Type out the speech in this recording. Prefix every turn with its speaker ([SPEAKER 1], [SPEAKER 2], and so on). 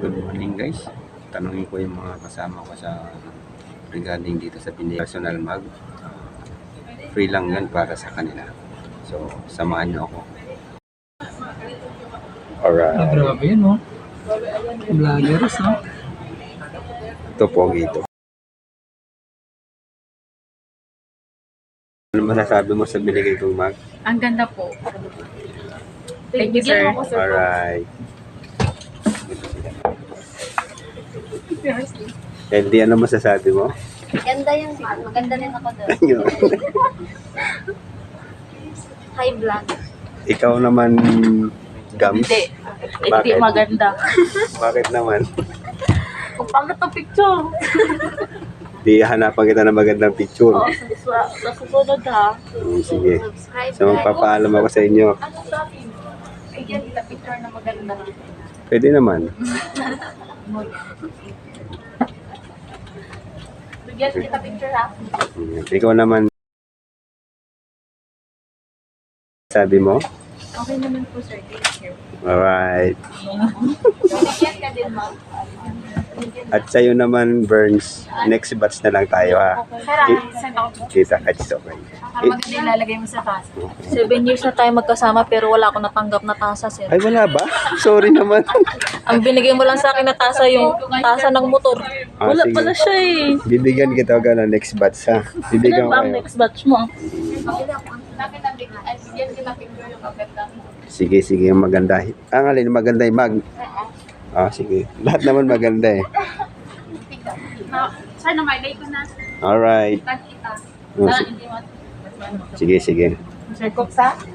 [SPEAKER 1] Good morning guys. Tanungin ko yung mga kasama ko sa regarding dito sa Pinay Personal Mag. Free lang yun para sa kanila. So, samahan nyo ako. Alright.
[SPEAKER 2] Grabe yun, no? Vloggers, no?
[SPEAKER 1] Ito po ito. Ano masasabi mo sa binigay kong mag?
[SPEAKER 3] Ang ganda po. Thank you, sir.
[SPEAKER 1] Alright. Healthy, ano masasabi mo?
[SPEAKER 4] Ganda yun. Maganda rin ako doon.
[SPEAKER 1] Yun.
[SPEAKER 4] High vlog.
[SPEAKER 1] Ikaw naman, Gams?
[SPEAKER 3] Hindi. Hindi
[SPEAKER 1] Bakit?
[SPEAKER 3] maganda.
[SPEAKER 1] Bakit naman?
[SPEAKER 3] Kung pangit ang picture.
[SPEAKER 1] Di hanapan kita ng magandang picture.
[SPEAKER 3] Sa susunod ha.
[SPEAKER 1] Sige.
[SPEAKER 4] Subscribe.
[SPEAKER 1] So, magpapaalam ako sa inyo.
[SPEAKER 3] Ano sabi mo? Bigyan kita picture na maganda.
[SPEAKER 1] Pwede naman.
[SPEAKER 3] Bigyan kita picture ha.
[SPEAKER 1] Ikaw naman, sabi mo?
[SPEAKER 3] Okay naman po, sir. Thank you.
[SPEAKER 1] Alright.
[SPEAKER 3] Bigyan ka din, ma'am.
[SPEAKER 1] At sa'yo naman, Burns, next batch na lang tayo ha.
[SPEAKER 3] Sir, send ako po.
[SPEAKER 1] Kita ka, okay.
[SPEAKER 3] Para maganda ilalagay mo sa taas.
[SPEAKER 5] 7 years na tayo magkasama pero wala akong natanggap na tasa, sir.
[SPEAKER 1] Ay, wala ba? Sorry naman.
[SPEAKER 5] Ang binigay mo lang sa akin na tasa yung tasa ng motor. Wala
[SPEAKER 1] sige.
[SPEAKER 5] pala siya eh.
[SPEAKER 1] Bibigyan kita ka ng next batch ha. Bibigyan
[SPEAKER 5] Ilan
[SPEAKER 1] ko
[SPEAKER 5] ba ang
[SPEAKER 1] kayo.
[SPEAKER 5] next batch mo?
[SPEAKER 3] Bigyan kita picture yung maganda.
[SPEAKER 1] Sige, sige, yung maganda. Ang alin, maganda yung mag. Sige. Lahat naman maganda eh.
[SPEAKER 3] Sir, na-my ko na.
[SPEAKER 1] Alright.
[SPEAKER 3] Kita.
[SPEAKER 1] Oh,
[SPEAKER 3] Sana
[SPEAKER 1] sige.
[SPEAKER 3] hindi mo.
[SPEAKER 1] Sige, sige.
[SPEAKER 3] Sir, Cook sa?